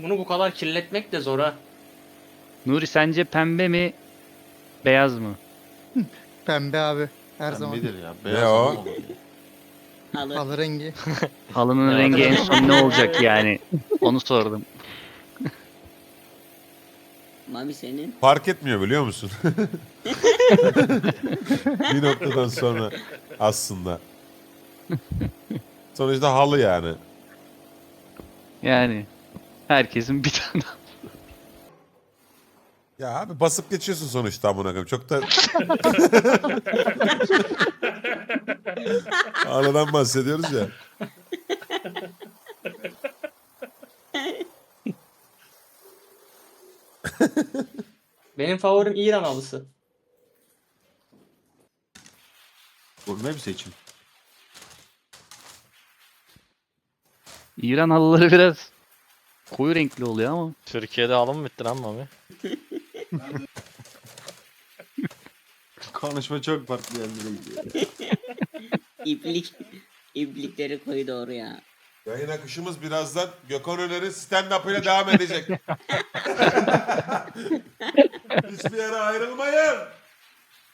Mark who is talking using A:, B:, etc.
A: Bunu bu kadar kirletmek de zor ha.
B: Nuri sence pembe mi beyaz mı?
C: Pembe abi. Her zaman.
D: Pembedir ya.
E: Ne
D: Beyaz
E: o?
D: adam olur ya.
F: Halı.
C: Halı rengi.
B: Halının
A: Evet.
B: rengi en son ne olacak yani? Onu sordum.
F: Mami senin.
E: Fark etmiyor biliyor musun? Bir noktadan sonra aslında. Sonuçta halı yani.
B: Yani herkesin bir tane.
E: Ya abi basıp geçiyorsun sonuçta amına koyayım. Çok da halıdan bahsediyoruz ya.
A: Benim favorim İran halısı.
D: Gurme bir seçim.
B: İran halıları biraz koyu renkli oluyor ama.
G: Türkiye'de alım bitti lan Mami.
D: Konuşma çok farklı yerlere gidiyor.
F: İplik. İplikleri koy doğru ya.
E: Yayın akışımız birazdan Gökhan Öner'in stand-up'ıyla devam edecek. Hiçbir yere ayrılmayın.